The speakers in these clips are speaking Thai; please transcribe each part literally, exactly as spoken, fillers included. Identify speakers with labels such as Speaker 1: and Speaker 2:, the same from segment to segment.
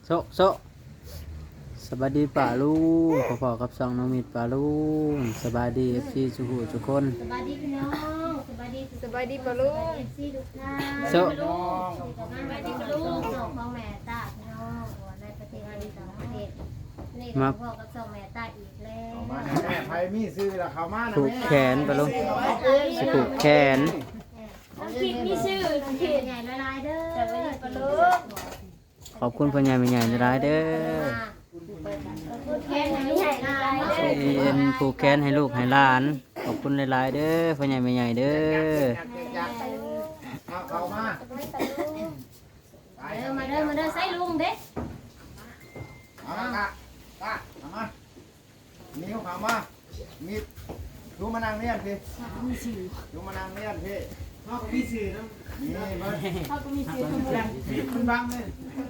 Speaker 1: โซโซสบายดีป่าลุงพ่อๆกับซองน้องมิดป่าลุงสบายดีเอฟซีทุกผู้ทุกคน
Speaker 2: สบายดีพี่น้องสบายดี
Speaker 3: สบายดีปะลุง
Speaker 2: เอฟซีทุกท่าน
Speaker 1: โซ
Speaker 2: สบายดีพี่ลูกน้องของแม่ตาพี่น้องในประเทศไทยต่างประเทศนี่ก็พ่อกับสองแม่ตาอีกแล้ว
Speaker 4: มาแม่ไผมีซื้อละเขามานะ
Speaker 1: ผูก
Speaker 4: แม่
Speaker 1: แขนป่าลุงสิผูกแขน
Speaker 2: น้องคิดมีชื่อน้องคิดใหญ่ละลายเด้อสบายดีปะลูก
Speaker 1: ขอบคุณพ่อใหญ่แม่ใหญ่หลายเด้อ
Speaker 2: พูดแค่ไหนใหญ่ละลายเด้อ
Speaker 1: ที่เอ็นผูกแขนให้ลูกให้หลานขอบคุณหลายๆเด้อพ่อใหญ่แม่ใหญ่เด้อ
Speaker 4: เอาเขามา
Speaker 2: เด้อมาเด้อมาเด้อใส่ลุงเด้
Speaker 4: เอามากะกะเอามานิ้วเขามามีดูมานั่งเรียนพี่ดูมานั่งเรียนพี่เขาก็มีสื่อนะนี่เบิ้ล
Speaker 2: เขาก็มีชื่อทั้งหมด
Speaker 4: มันบังเลย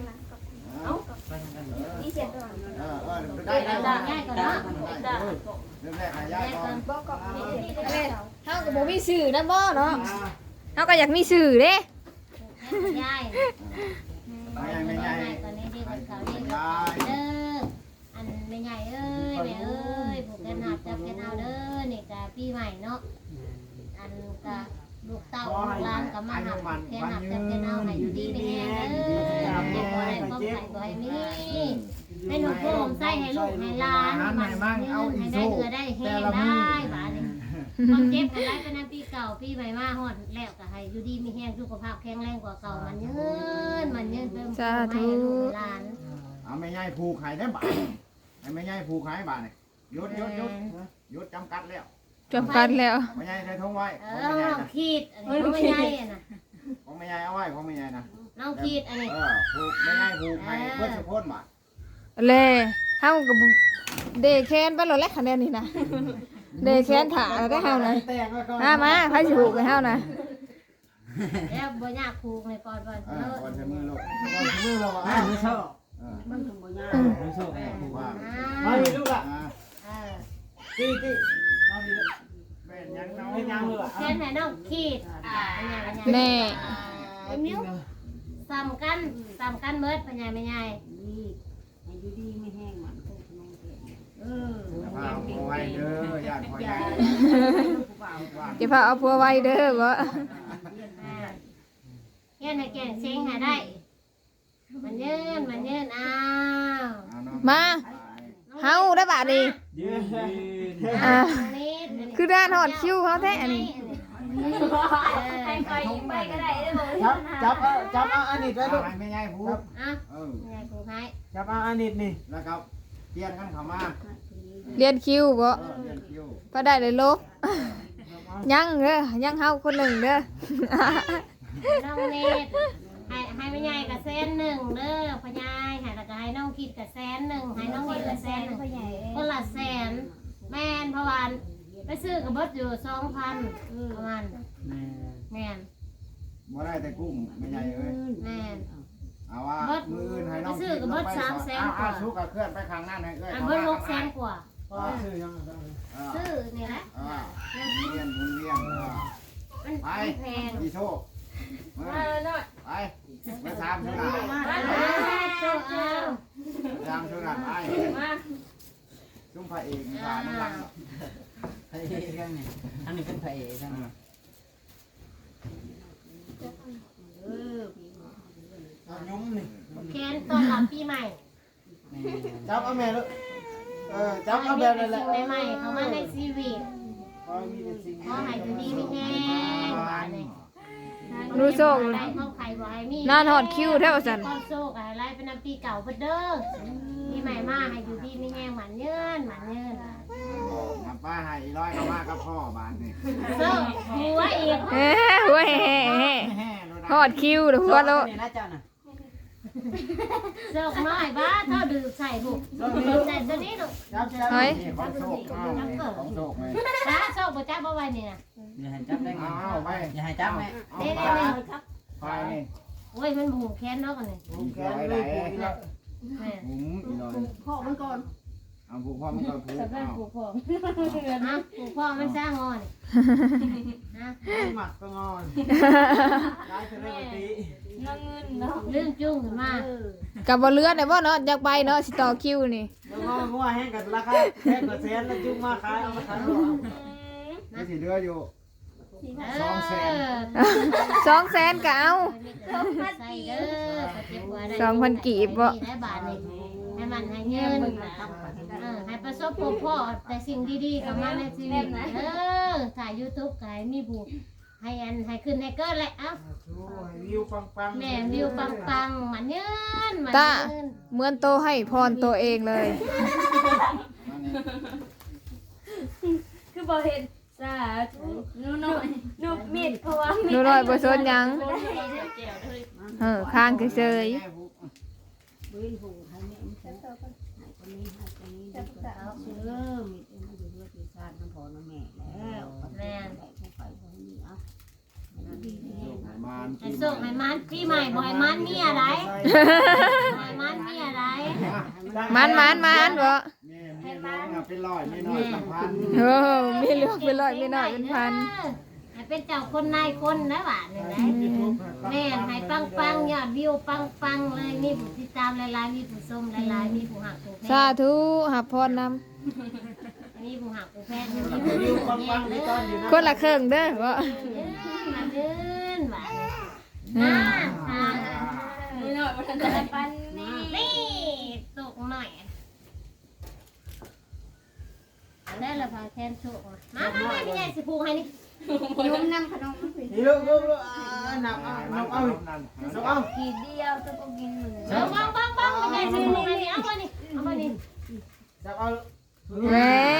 Speaker 2: นี่เสียงก่อน
Speaker 4: เออเออได้ได้
Speaker 2: ด่า
Speaker 4: ได้
Speaker 2: ง่ายก่อนนะ
Speaker 4: เริ่มแรกหายากก่อน
Speaker 3: เฮาก็บ่มีชื่อนะบ่เนาะเฮาก็อยากมีชื่อเด้
Speaker 2: ยาย
Speaker 4: ไม่ใหญ่ไม่ใหญ่
Speaker 2: ตอนนี้ดีกว่าเขาดีกว่าเด้ออันไม่ใหญ่เอ้ยแม่เอ้ยผูกแขนหักจับแขนเอาเด้อนี่กะปีใหม่เนาะอันกะลูกเต้าลูกหลานก็มาหักแขนหักจับแขนเอาให้อยู่ดีไม่แห้งเด้อเจ็บบ่ได้ก็ไข่บ่ให้มีให้หนูโคมใส่ให้ลูกให้หลานมันยืนให้ได้เอือได้แห้งได้บาดนี้ความเจ็บของไรเป็นปีเก่าปีใหม่มาฮอดแล้วก็ให้อยู่ดีมีแห้งสุขภาพแข็งแรงกว่าเก่ามันยืนมันยืนเพิ่มให้ลูกหลาน
Speaker 4: เอาไม่ใหญ่ผูกไข่ได้บ่าไอ้ไม่ใหญ่ผูกไข่บ่าเนี่ยยศยศยศยศจำกัดแล้ว
Speaker 3: จบกันแล้ว
Speaker 4: ไม่ใหญ่ใส่ทงไว้
Speaker 2: เอ
Speaker 4: ของ
Speaker 2: อ
Speaker 4: ไม่ใหญ่
Speaker 2: น้อง
Speaker 4: นะ
Speaker 2: ขีดอันนี้ไม่ใหญ่น่ะ
Speaker 4: ของไม่ใหญ่เอาไว้ของไม่ใหญ่นะ
Speaker 2: น้องขีดอันนี้
Speaker 4: เออผูกไม่ใหญ่ผูกไข่เพื่อนสุพจน์บ่า
Speaker 3: แลเฮาก็บ่เดแคนไปแล้วแหละคะแนนนี่นะเดแคนถ่าแล้วได้เฮานะมามาไผสิฮู้กับเฮานะ
Speaker 2: แล้วบ่ยากผูกในก่อนก่อน
Speaker 4: เอ
Speaker 2: เอ
Speaker 4: อ
Speaker 2: อ
Speaker 4: ก่อนจะมือลูกก่อนจะมือเราอ่ะ
Speaker 1: ไม่ชอบ
Speaker 4: เออ
Speaker 1: ไม่ชอบ
Speaker 4: ผูกว่า
Speaker 2: อ่า
Speaker 4: มาลูกอ่ะ
Speaker 2: เออ
Speaker 4: ตีตีมาดีลูกเป็นยังน้องยังเลย
Speaker 2: เช่นไหนน้องขีดอ่าเป็นไงเป็นไง
Speaker 3: แน่
Speaker 2: เป็นนิ้วซ้ำกันซ้ำกันเมิดเป็นไงเป็นไง
Speaker 4: พาเอาไว้เด้อญาติพ่อใหญ่
Speaker 3: จะพาเอาผัวไว้เด้อบ่
Speaker 2: เงี้ยในแก่งเซ็งหาได้มันยืนมันยืนอ้าว
Speaker 3: มาเฮาได้บาดนี้
Speaker 1: ยืน
Speaker 3: อ่า
Speaker 2: นี่
Speaker 3: คือด้านฮอดคิวเฮาแท้อันนี้
Speaker 2: ใครคอยยิงไปก็ได้ได้บ่
Speaker 5: จับจับเอาจับเอาอันนี้ไว้ลูก
Speaker 4: ไม่ใหญ่ผูก
Speaker 2: อ่ะ
Speaker 4: เออ
Speaker 2: ไงกูให้
Speaker 5: จับเอาอันนี้นี่
Speaker 4: แล้วก็เปลี่ยนกันเข้ามา
Speaker 3: เรียนคิวบ่
Speaker 4: เออเปลี่ยนคิว
Speaker 3: พอได้เลยลบยังเด้อยังเฮาคนหนึ่งเด้อ
Speaker 2: น้องเนตให้ให้แม่ใหญ่กับแสนหนึ่งเด้อพ่อใหญ่ให้แล้วก็ให้น้องคิดกับแสนหนึ่งให้น้องนิดกับแสนหนึ่งคนละแสนแม่นเพราะว่าไปซื้อกับเบิดอยู่สองพันประมาณแม่น
Speaker 4: บ่ได้แต่กุ้งไม่ใหญ่เอ้ย
Speaker 2: แม่น
Speaker 4: เอาว่ามืออื่นให้น้อง
Speaker 2: ซื้อกับเบิดสามแสนกว่า
Speaker 4: เอาสู้กับเคลื่อนไปข้างหน้าให้เอ้ย
Speaker 2: อันเบิดหกแสนกว่า
Speaker 5: ซื้อยัง
Speaker 2: ซื้อนี่แหละ
Speaker 4: เออเวียนหมุนเวียนเออ
Speaker 2: มันแพง
Speaker 4: ดีโชคไปไปตามชุดหลัง
Speaker 2: เอาเอา
Speaker 4: ตามชุดหลังไปชุ่มพระเอกพาน้ำหลัง
Speaker 1: พระเอกกันนี่อันนี้เป็นพระเอกกัน
Speaker 5: เอายุ้มนี่
Speaker 2: แขนตอนรับปีใหม่
Speaker 5: จับเอาแม่ลูกเออจั
Speaker 2: จั
Speaker 5: บบ เอา
Speaker 2: เอา
Speaker 5: แบ
Speaker 2: แบบ บ
Speaker 5: นั่นแหละ
Speaker 2: ใหม่ๆเข้ามาในชีวิต
Speaker 5: พอมีแต่สิ่ง
Speaker 2: ขอให้อยู่ดีมีแรงบาดนี้
Speaker 3: รู้โชค
Speaker 2: ได้เข้าใครบ่ให้มี
Speaker 3: นานฮอดคิวแท้ว่าซั่น
Speaker 2: ก็โชคให้ไล่เป็นน้ำปีเก่าเบิดเด้อปีใหม่มาให้อยู่ดีมีแรงหมันเยินหมันเยิน
Speaker 4: มาป้าให้อีร้อยก็มากับพ่อบานนี่
Speaker 2: โชคหัวอีก
Speaker 3: เอ้หัวแห่แห่ฮอดคิวเด้อหัวโล
Speaker 1: นี่นะเจ้าน่ะ
Speaker 2: โชคน้อยบ้าเท่าดื่มใส่บุกดื่มใส่ตัวนี้ลูก
Speaker 5: จับจับ
Speaker 3: เฮ้ย
Speaker 4: นี่ของโชคเอาของโชคไหม
Speaker 2: จ้าโชคบ่จ้าบ่ไหวนี่นะ
Speaker 1: อย่าให้จับได้ไง
Speaker 4: เอาไป
Speaker 1: อย่าให้จับแม่
Speaker 4: เอา
Speaker 2: เด้
Speaker 4: ไป
Speaker 2: เด้
Speaker 4: ไปนี่
Speaker 2: โอ้ยมันหูแค้นเนาะกันนี่
Speaker 4: ผมแกเลยไหน
Speaker 2: แม่
Speaker 4: ผมอีร้อย
Speaker 5: พ่อมันก่อน
Speaker 2: เ
Speaker 4: เอาผูกพ่อมันก็ผูก
Speaker 2: แต่เป็น
Speaker 4: เอา
Speaker 2: ผูกพ่อฮะผูกพ่อมันสร้างงอนฮะ
Speaker 5: หมักก็งอนได้เทเลปติ
Speaker 2: เรื่องจุ้งขึ้นมา
Speaker 3: กับบ่เลือได้บ่เนาะอยากไปเนาะสิต่อคิวนี่
Speaker 5: แล้วก็งัวแห้งกับราคาแพงกว่าแสนแล้วจุ่มมาขายเอามาขายต่อ
Speaker 4: ไม่สิเหลืออยู่
Speaker 2: สองแสน
Speaker 3: สองแสนก็เอา
Speaker 2: ใส่เด้อก็เจ็บหัวได้
Speaker 3: สองพันกีบบ่
Speaker 2: ได้บาทนี่ให้มันให้เงินเออให้ประสบพบพ่อแต่สิ่งดีๆกับมาในชีวิตเออถ่าย YouTube ก็ให้มีผู้ให้อันให้ขึ้นให้เกิดแหละเอ้า
Speaker 5: วิวปังๆ
Speaker 2: แม่วิวปังๆมันเงินมัน
Speaker 3: ตา
Speaker 2: เงิน
Speaker 3: เหมือนโตให้พรตัวเองเลย
Speaker 6: คือบ่เห็นสาธุหนูน้อยหนูมีดเพราะว่า
Speaker 3: หนูน้อยบ่สนหยังเออข้างเฉย
Speaker 2: แม่น
Speaker 4: มาน
Speaker 2: ให้ส่งให้มันปีใหม่บ่ให้มันมีอะไรบ่ให้มันมีอะไร
Speaker 3: ๆมันมันมันบ่
Speaker 4: แม่แม่น้องอะเป็นร้อยไม่น้อยเป็นพัน
Speaker 3: เออมีเหลือกเป็นร้อยมีน้อยเป็นพัน
Speaker 2: ให้เป็นเจ้าคนนายคนนะบาทนี่นะแม่ให้ปังๆยอดวิวปังๆเลยมีผู้ติดตามหลายๆมีผู้ชมหลายๆมีผู้หักผู้แพ
Speaker 3: สาง ธุหับพรนำ
Speaker 2: มีผู้หักผู้แพงมี
Speaker 5: วิว
Speaker 2: ผู้
Speaker 5: ปั
Speaker 2: แย่
Speaker 5: ง
Speaker 2: ง
Speaker 5: ๆ
Speaker 2: เด้
Speaker 5: นี่
Speaker 2: อ
Speaker 5: ตอนอยู่นะ
Speaker 3: คนละครึ่งเด้อบ่
Speaker 2: มาเดินบาทนี่อ่า
Speaker 6: หนูน้อยบ่ทันได้ปันนี่
Speaker 2: นี่ตกหน่อยอันนี้เราพาแคนโชกมามามาพี่ใหญ่สิผูกให้นี่
Speaker 6: ยุ่มน้ำขนม
Speaker 5: นี่ลูกลูกลูกหนักเอาหนักเอาหนักเอา
Speaker 6: กีเดียวจะก็กินหนึ่ง
Speaker 2: เอาบังบังบังพี่ใหญ่สิผูกให้นี่เอามานี่เอามานี่
Speaker 5: จับเอา
Speaker 3: แหม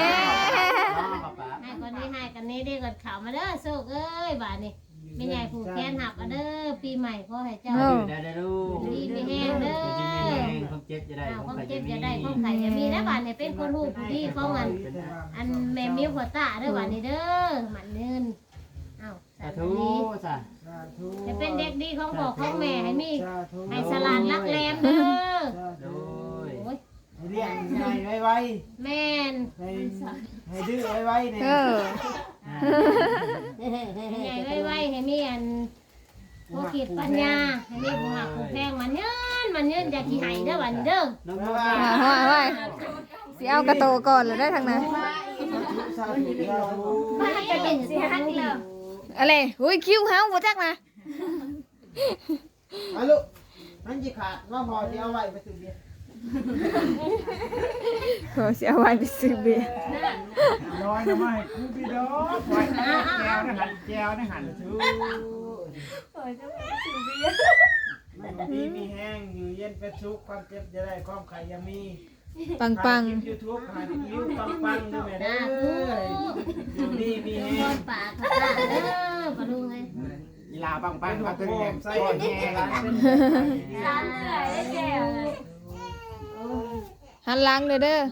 Speaker 2: ให้คนนี้ให้กันนี้ดีกว่าข่าวมาเด้อโชคเอ้ยบาทนี่พี่ใหญ่ผูกแขนหักเอาเด้อปีใหม่ขอให้เจ้า
Speaker 3: โอ้
Speaker 1: ได้ได้ลูก
Speaker 2: ดีมีแห้งเด้อ
Speaker 1: จริงๆมีแรงความเจ็บจะได้
Speaker 2: อ้าว
Speaker 1: ความ
Speaker 2: ความ
Speaker 1: ใคร
Speaker 2: เจ็
Speaker 1: จะ
Speaker 2: บ
Speaker 1: มี
Speaker 2: จะได้ความไข่จะมีนะบาทนี่เป็นคนหูผู้ดีของอันอันแม่มิ้วหัวตาเด้อบาทนี่เด้อหมันเนินอ้าว
Speaker 1: สา
Speaker 2: สา
Speaker 1: ธุ
Speaker 2: ธุ
Speaker 1: สา
Speaker 5: สาธุ
Speaker 2: จะเป็นเด็กดีของพ่อของแม่ให้มี
Speaker 5: สาธุ
Speaker 2: ให้สลานรักแรมเด้อ
Speaker 1: โดย
Speaker 2: โอ้ย
Speaker 5: ให้เรียกใหญ่ไว
Speaker 2: แม่น
Speaker 5: ๆให้ให้ดื้อไวๆเนี่ย
Speaker 3: เออ
Speaker 2: ใหญ่ไว้ๆให้มีอันผู้คิดปัญญาให้มีผู้หักผู้แพงมันเงินมันเงินอย่าขี้ไหายเด้อวันนี้เด้อ
Speaker 1: น้องโม
Speaker 3: อ่าห้อยห้อยสิเอากระโตก่อนเลยได้ทางนั้น
Speaker 5: สาธุสาธุ
Speaker 2: มาจะเป็นสิฮักแล้ว
Speaker 3: อะไรอุ้ยคิวเฮาบ่จักนะ
Speaker 5: เอาลูกนั่นจีขาดว่าพอที่เอาไว้ไปซื้อเบียร์
Speaker 3: โหสิเอาไว้ไปซื้อเบียร์
Speaker 4: น้อยนะไม่กูพี่ดอกปล่อยแก้วนะหันแก้วนะหันชู
Speaker 5: มันดีมีแห้งอยู่เย็นเป็นสุขความเจ็บจะได้ความไข่ยังมี
Speaker 3: ปังปัง
Speaker 5: ยูทูบหาวิวปังปังๆด้วยแม่เด้ออยู่ดีมี
Speaker 2: เงิ
Speaker 5: แห้ง
Speaker 2: นปากค่ะเด้อปะลุงเอ้ย
Speaker 4: กีฬาปังปัง
Speaker 5: เป็น
Speaker 4: มา
Speaker 5: หั
Speaker 4: ตึ
Speaker 5: ว
Speaker 4: ง
Speaker 5: โข
Speaker 4: แห
Speaker 5: ม
Speaker 4: ง
Speaker 5: ใส่
Speaker 4: ก้อน
Speaker 5: แห้
Speaker 4: แห้
Speaker 5: ง
Speaker 4: ง
Speaker 5: ร้านเป็น
Speaker 6: ร้านเสือได้แก้วเลย
Speaker 3: หันหลังเลยเด้อ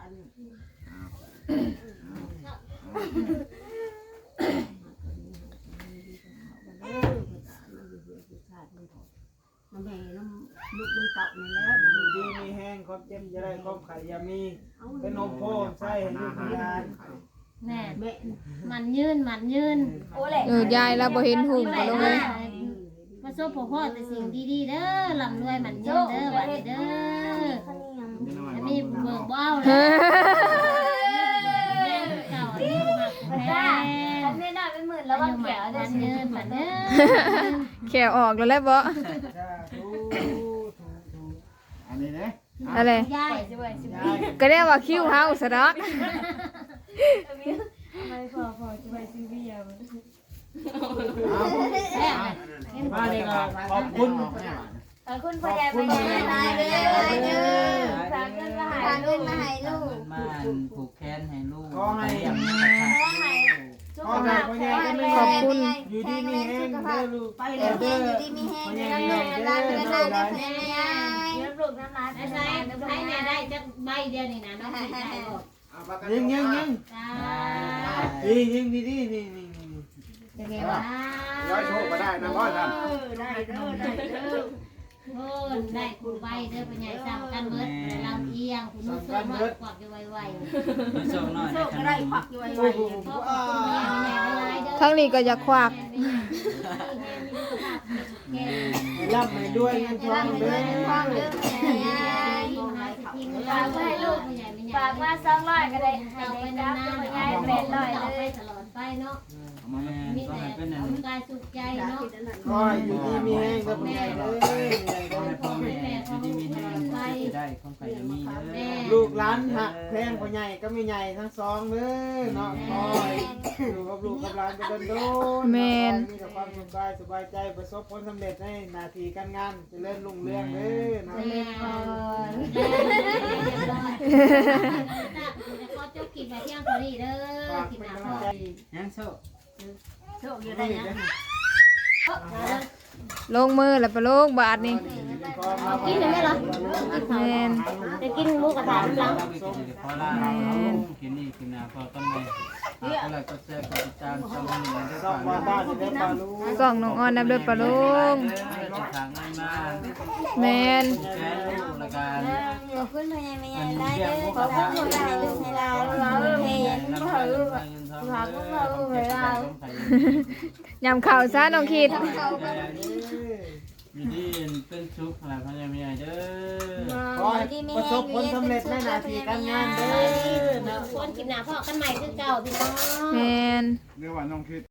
Speaker 5: แม่น้ำลูกมันเต่านี่แล้วอยู่ดีมีแห้งความเจ็บจะได้ความไข่ยังมีเป็นนมโพมใส่ให้ลูกยาน
Speaker 2: แม่มันยืนมันยืน
Speaker 6: โอ้แหละ
Speaker 3: เออยายเราบ่เห็นหุ่ง
Speaker 2: ไป
Speaker 3: บ่ลง
Speaker 2: เล
Speaker 3: เลย ย
Speaker 2: ประสบพ่อพ่อแต่สิ่งดีๆเด้อลำรวยมันยืนเด้อวันนี้เด้ออันนี้เบิกบ่เอาเลยเก่าอันนี้หักแพง
Speaker 6: แม่น้อยเป็นหมื่นแล้วว่าแก้ว
Speaker 2: มั
Speaker 6: ได้
Speaker 2: น
Speaker 6: สิ
Speaker 2: เงินมันเงิน
Speaker 3: แขวออกแล้วแหละบ่
Speaker 5: สาธุถูถู
Speaker 4: อันนี้เนี่ย
Speaker 3: อะไร
Speaker 2: ยาย
Speaker 6: สิเว้ยสิ
Speaker 5: ยา
Speaker 6: เว้ย
Speaker 5: ย
Speaker 3: ก็เรียกว่าคิวเฮาซะดอก
Speaker 6: ไม่พอพอสิเว้ยสิเวีย
Speaker 5: มาเลยครับขอบคุณ
Speaker 6: ขอบคุณพ่อใหญ่พ่อใหญ่หลายเด้อเด้อฝากเงินมาให้ลูกมาให้ลูก
Speaker 1: มาผูกแขนให้ลูก
Speaker 5: ขอให้
Speaker 1: เลี้ยง
Speaker 6: ขอให้สุขภาพแข็งแรง
Speaker 3: ขอบคุณ
Speaker 5: อยู่ดีมีแห้งเด้อลูกไปเลยเด้ออยู่ดีมีแห้งเด้อลูกเด้อลูกหลาน
Speaker 6: เลี้ยงลูกน้ำลาย
Speaker 2: ไอ้ใส่ให้แม่ได้จักใบเดียวนี่นะน้องสิได้บ่
Speaker 5: ยิงยิงยิง
Speaker 2: จ้า
Speaker 5: ยิงยิงดีดีนี่นี่นี่
Speaker 2: จะไงวะ
Speaker 4: ร้อยโชคก็ได้นะพ่อท่าน
Speaker 5: ได้เด้อได้เด้อ
Speaker 2: เพิ่นได้คุณใบเด้อพ่อใหญ่ซ้ำกันเบิดลำเอียงคุณนุ่งส้มน้อยกวักอยู่ไวๆ
Speaker 1: มาส่งหน่อย
Speaker 6: โช
Speaker 1: นะ
Speaker 6: ค
Speaker 1: ค
Speaker 6: ก็
Speaker 1: รับ
Speaker 6: ได้ควักอยู่ไว
Speaker 2: ขอบคุณพ่อแม่แม่หลายเด้อ
Speaker 3: ทั้งนี้ก็อยากควัก
Speaker 5: ให้ร่ำให้ด้วยเงินทองเด้อ
Speaker 6: ๆฟังเด้อแม่ฝากไว้ให้ลูกฝากมาสองร้อยก็ได้ให้
Speaker 2: เอาไป
Speaker 6: ได้
Speaker 2: นา
Speaker 6: รับ
Speaker 2: น
Speaker 6: ตั
Speaker 2: ๆ
Speaker 6: ว
Speaker 2: ไป
Speaker 6: ยายเป็นร้อย
Speaker 2: ต่อ
Speaker 6: เล
Speaker 2: ไป
Speaker 6: ย
Speaker 2: ตลอดไปเนาะ
Speaker 1: แม่
Speaker 2: มี
Speaker 1: ก็
Speaker 2: แต่
Speaker 1: ให้เป็นอัน
Speaker 2: สุขกายสุขใจเนาะ
Speaker 5: คอยอยู่ดีมีแห้งกับแม่เด้อ
Speaker 1: ขอให้พ่อแม่อยู่ดีมีแรงจะได้ของใครจะมีเด้อ
Speaker 5: ลูกหลานหักแพงพ่อใหญ่ก็มีใหญ่ทั้งสองเด้อเนาะคอยอยู่กับลูกกับหลานไปโดนโดนมีแต่ความสุขกายสบายใจประสบผลสำเร็จในหน้าที่การงานเจริญรุ่งเรืองเด้อเนาะ
Speaker 2: แม่จะขอจบคลิปแบบเที่ยงพอดีเด้อ
Speaker 5: ฝาก
Speaker 2: คลิป
Speaker 5: เป็น
Speaker 2: หน้าก
Speaker 5: ำลังใจ
Speaker 1: ยังโซ่
Speaker 6: โชคอยู่ได้นะ
Speaker 3: ลงมือแล้วไปลงบาทนี่
Speaker 2: กินได้ไหมล่ะ
Speaker 3: แม่น
Speaker 2: จะกินหมูกระทะหลัง
Speaker 1: เราไปกินขอลากินนี่กินนาพอต้นเลยก็เลยก็แซ่ก็ติดตามช่องนี้ได้
Speaker 5: สองวันบ้านจะได้ปลาลูก
Speaker 3: กล่องน้องออนนำเด้อปลาลุง
Speaker 1: จะทางนั้นมา
Speaker 3: แม่น
Speaker 1: แก้ลูกละกัน
Speaker 6: ขอบคุณพ่อใหญ่แม่ใหญ่ได้เด้อขอบคุณพ่อใหญ่ลูกให้เราเราเฮียนพ่อลูกฝากพ่อลูกให้เรา
Speaker 3: ยำข้าวซะน้องคิด
Speaker 1: มีดีเป็นชุกอะไรพยายามเด้อ
Speaker 5: ขอให้ประสบผลสำเร็จในหน้าที่การงานเด้อ
Speaker 2: คนคลิปหน้าพ่อกันใหม่คือเก่าพี่น้อง
Speaker 3: แม่น
Speaker 4: เรียกว่าน้องคิด